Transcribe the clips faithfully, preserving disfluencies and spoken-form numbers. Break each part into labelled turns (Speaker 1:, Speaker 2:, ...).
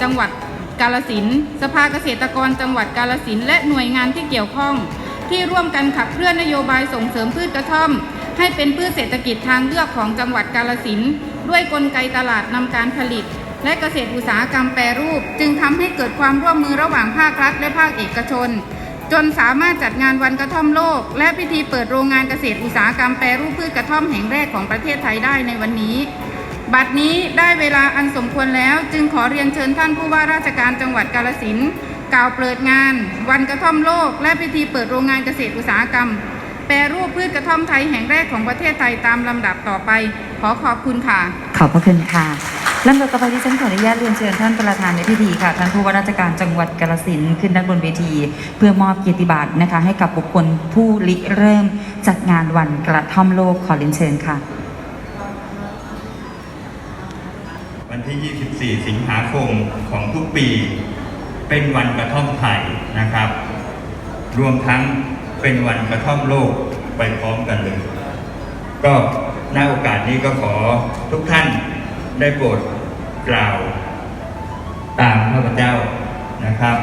Speaker 1: จังหวัดกาฬสินธุ์สภาเกษตรกรจังหวัดกาฬสินธุ์และหน่วยงานที่เกี่ยวข้องที่ร่วมกันขับเคลื่อนนโยบายส่งเสริมพืชกระท่อมให้เป็นพืชเศรษฐกิจทางเลือกของจังหวัดกาฬสินธุ์ด้วยกลไกตลาดนำการผลิตและเกษตรอุตสาหกรรมแปรรูปจึงทำให้เกิดความร่วมมือระหว่างภาครัฐและภาคเอกชนจนสามารถจัดงานวันกระท่อมโลกและพิธีเปิดโรงงานเกษตรอุตสาหกรรมแปรรูปพืชกระท่อมแห่งแรกของประเทศไทยได้ในวันนี้บัดนี้ได้เวลาอันสมควรแล้วจึงขอเรียนเชิญท่านผู้ว่าราชการจังหวัดกาฬสินธุ์กล่าวเปิดงานวันกระท่อมโลกและพิธีเปิดโรงงานเกษตรอุตสาหกรรมแปรรูปพืชกระท่อมไทยแห่งแรกของประเทศไทยตามลำดับต่อไปขอขอบคุณค่ะ
Speaker 2: ขอบพระคุณค่ะลำดับต่อไปที่ฉันขออนุญาตเรียนเชิญท่านประธานในพิธีค่ะท่านผู้ว่าราชการจังหวัดกาฬสินธุ์ขึ้นด้านบนเวทีเพื่อมอบเกียรติบัตรนะคะให้กับบุคคลผู้ริเริ่มจัดงานวันกระท่อมโลกขอเรียนเชิญค่ะ
Speaker 3: วันที่ ยี่สิบสี่ สิงหาคมของทุกปีเป็นวันกระท่อมไทยนะครับรวมทั้งเป็นวันกระท่อมโลกไปพร้อมกันเลยก็ณโอกาสนี้ก็ขอทุกท่านได้โปรดกล่าวตามข้าพเจ้านะครับ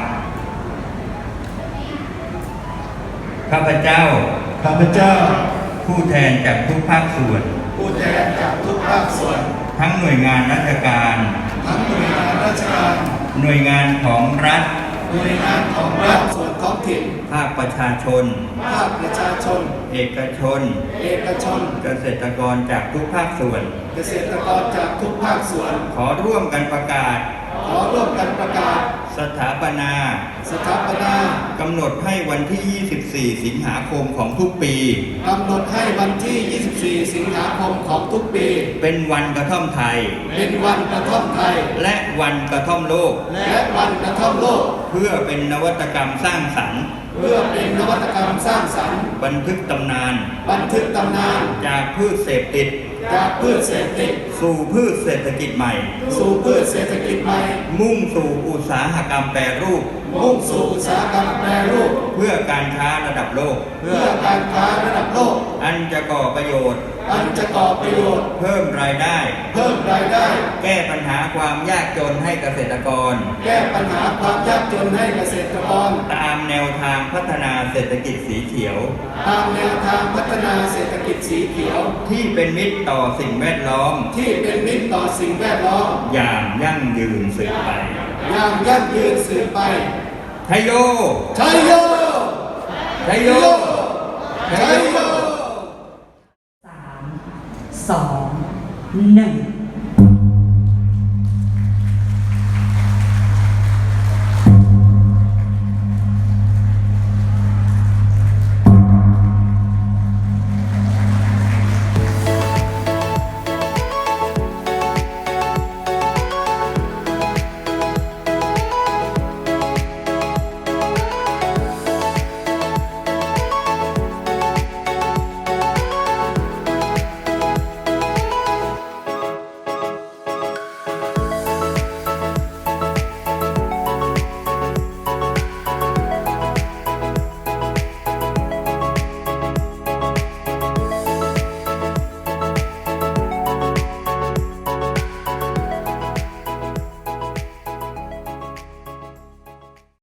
Speaker 3: ข้าพเจ้า
Speaker 4: ข้าพเจ้า
Speaker 3: ผู้แทนจากทุกภาคส่วน
Speaker 4: ผู้แทนจากทุกภาคส่วน
Speaker 3: ทั้งหน่วยงานราชการ
Speaker 4: ทั้งหน่วยงานราชการ
Speaker 3: หน่วยงานของรัฐ
Speaker 4: หน่วยงานของรัฐส่วนท้องถิ่น
Speaker 3: ภาคประชาชน
Speaker 4: ภาคประชาชน
Speaker 3: เอกชน
Speaker 4: เอกชน
Speaker 3: เกษตรกรจากทุกภาคส่วน
Speaker 4: เกษตรกรจากทุกภาคส่วน
Speaker 3: ขอร่วมกันประกาศ
Speaker 4: ขอร่วมกันประกาศ
Speaker 3: สถาปนา
Speaker 4: สถาปนาก
Speaker 3: ำหนดให้วันที่ ยี่สิบสี่ สิงหาคมของทุกปี
Speaker 4: กำหนดให้วันที่ ยี่สิบสี่ สิงหาคมของทุกปี
Speaker 3: เป็นวันกระท่อมไทย
Speaker 4: เป็นวันกระท่อมไทย
Speaker 3: และวันกระท่อมโลก
Speaker 4: และวันกระท่อมโลก
Speaker 3: เพื่อเป็นนวัตกรรมสร้างสรรค์
Speaker 4: เพื่อเป็นนวัตกรรมสร้างสรรค์
Speaker 3: บันทึกตำนาน
Speaker 4: บันทึกตำนาน
Speaker 3: จากพืชเสพติด
Speaker 4: จากพืชเศรษฐกิจ
Speaker 3: สู่พืชเศรษฐกิจใหม่
Speaker 4: สู่พืชเศรษฐกิจใหม่
Speaker 3: มุ่งสู่อุตสาหกรรมแปรรูป
Speaker 4: มุ่งสู่อุตสาหกรรมแปรรูป
Speaker 3: เพื่อการค้าระดับโลก
Speaker 4: เพื่อการค้าระดับโลก
Speaker 3: อันจะก่อประโยชน์
Speaker 4: อันจะก่อประโยชน์
Speaker 3: เพิ่มรายได้
Speaker 4: เพิ่มรายได้
Speaker 3: แก้ปัญหาความยากจนให้เกษตรกร
Speaker 4: แก้ปัญหาความยากจนให้เกษตรกร
Speaker 3: ตามแนวทางพัฒนาเศรษฐกิจสีเขียว
Speaker 4: ตามแนวทางพัฒนาเศรษฐกิจสีเขียว
Speaker 3: ที่เป็นมิตรต่อสิ่งแวดล้อม
Speaker 4: ที่เป็นมิตรต่อสิ่งแวดล้อม
Speaker 3: อย่างยั่งยืนสืบไป
Speaker 4: อย่างยั่งยืนสืบไป
Speaker 3: ชัยโย
Speaker 4: ชัยโย
Speaker 3: ชัยโย
Speaker 4: ชัยโย
Speaker 2: สาม สอง หนึ่ง